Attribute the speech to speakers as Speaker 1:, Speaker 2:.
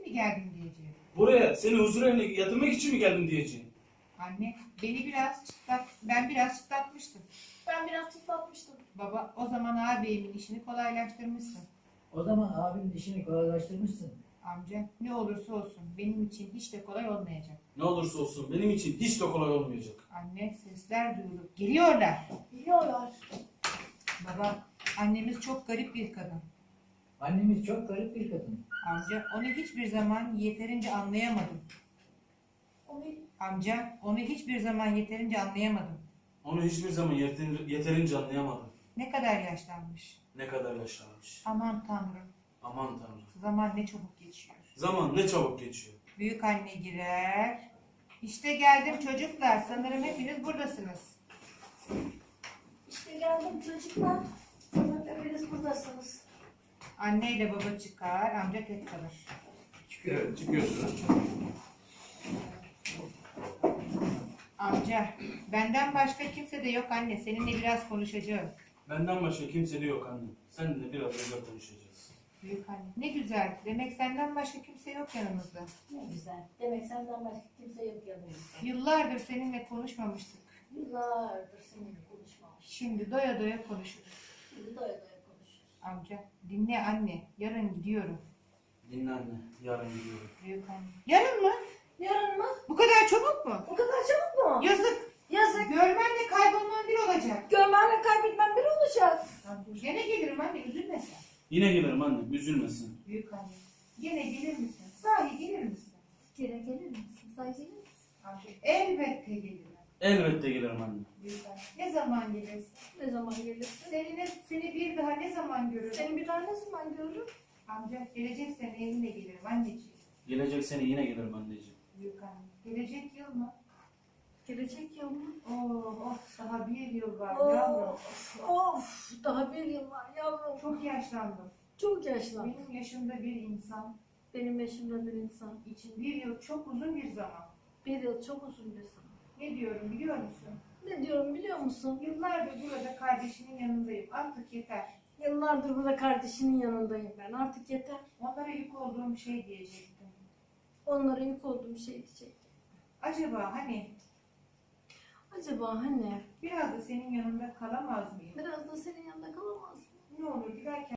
Speaker 1: mi geldin diyeceğim.
Speaker 2: Buraya seni huzur evine yatırmak için mi geldim diyeceğim.
Speaker 1: Anne ben biraz çıtlatmıştım.
Speaker 3: Ben biraz tıklatmıştım.
Speaker 1: Baba o zaman ağabeyimin işini kolaylaştırmışsın.
Speaker 4: O zaman abinin işini kolaylaştırmışsın.
Speaker 1: Amca ne olursa olsun benim için hiç de kolay olmayacak.
Speaker 2: Ne olursa olsun benim için hiç de kolay olmayacak.
Speaker 1: Anne sesler duyulup geliyorlar.
Speaker 3: Biliyorlar.
Speaker 1: Baba annemiz çok garip bir kadın.
Speaker 4: Annemiz çok garip bir kadın.
Speaker 1: Amca onu hiçbir zaman yeterince anlayamadım. Amca onu hiçbir zaman yeterince anlayamadım.
Speaker 2: Onu hiçbir zaman yeterince anlayamadım.
Speaker 1: Ne kadar yaşlanmış.
Speaker 2: Ne kadar yaşlanmış.
Speaker 1: Aman Tanrım.
Speaker 2: Aman Tanrım.
Speaker 1: Zaman ne çabuk geçiyor.
Speaker 2: Zaman ne çabuk geçiyor.
Speaker 1: Büyük anne girer. İşte geldim çocuklar. Sanırım hepiniz buradasınız.
Speaker 3: İşte geldim çocuklar. Sanırım hepiniz buradasınız.
Speaker 1: Anne ile baba çıkar, amca tek kalır.
Speaker 2: Evet, çıkıyorsunuz.
Speaker 1: Amca, benden başka kimse de yok anne. Seninle biraz konuşacağım.
Speaker 2: Benden başka kimse de yok anne. Seninle biraz özel konuşacağız.
Speaker 1: Büyük anne. Ne güzel. Demek senden başka kimse yok yanımızda.
Speaker 3: Ne güzel. Demek senden başka kimse yok yanımızda.
Speaker 1: Yıllardır seninle konuşmamıştık.
Speaker 3: Yıllardır seninle konuşmamış.
Speaker 1: Şimdi doya doya konuşuruz.
Speaker 3: Şimdi doya doya konuşuyoruz.
Speaker 1: Amca, dinle anne. Yarın gidiyorum.
Speaker 2: Dinle anne. Yarın gidiyorum.
Speaker 1: Büyük anne. Yarın mı?
Speaker 3: Yarın mı?
Speaker 1: Bu kadar çabuk mu?
Speaker 3: O kadar çabuk mu?
Speaker 1: Yazık.
Speaker 3: Yazık.
Speaker 1: Görmenle kaybolman bir olacak.
Speaker 3: Görmemle kaybetmem bir olacak.
Speaker 1: Gene gelirim anne. Üzülme sen.
Speaker 2: Yine gelirim anne. Üzülmesin.
Speaker 1: Büyük anne. Gene gelir misin? Sahi gelir misin?
Speaker 3: Gene gelir misin? Sen gelir misin?
Speaker 1: Amca, elbette gelirim.
Speaker 2: Elbette gelirim anne.
Speaker 1: Büyük anne. Ne zaman gelirsin?
Speaker 3: Ne zaman gelirsin?
Speaker 1: Seni bir daha ne zaman görürüm?
Speaker 3: Seni bir daha ne zaman görürüm?
Speaker 1: Amca gelecek sene evine gelirim anneciğim.
Speaker 2: Gelecek sene yine gelirim anneciğim.
Speaker 1: Büyük anne. Gelecek yıl mı?
Speaker 3: Gelecek yıl mı?
Speaker 1: Daha bir yıl var
Speaker 3: Of,
Speaker 1: yavrum.
Speaker 3: of, daha bir yıl var yavrum.
Speaker 1: Çok yaşlandım.
Speaker 3: Çok yaşlandım.
Speaker 1: Benim yaşımda bir insan
Speaker 3: Benim yaşımda bir insan.
Speaker 1: için bir yıl çok uzun bir zaman.
Speaker 3: Bir yıl çok uzun bir zaman.
Speaker 1: Ne diyorum biliyor musun?
Speaker 3: Ne diyorum biliyor musun?
Speaker 1: Yıllardır burada kardeşinin yanındayım. Artık yeter.
Speaker 3: Yıllardır burada kardeşinin yanındayım ben. Artık yeter.
Speaker 1: Onlara yük olduğum şey diyecektim.
Speaker 3: Onlara yük olduğum şey diyecektim.
Speaker 1: Acaba
Speaker 3: Acaba hani
Speaker 1: biraz da senin yanında kalamaz mıyım?
Speaker 3: biraz da senin yanında kalamaz mı?
Speaker 1: Ne olur giderken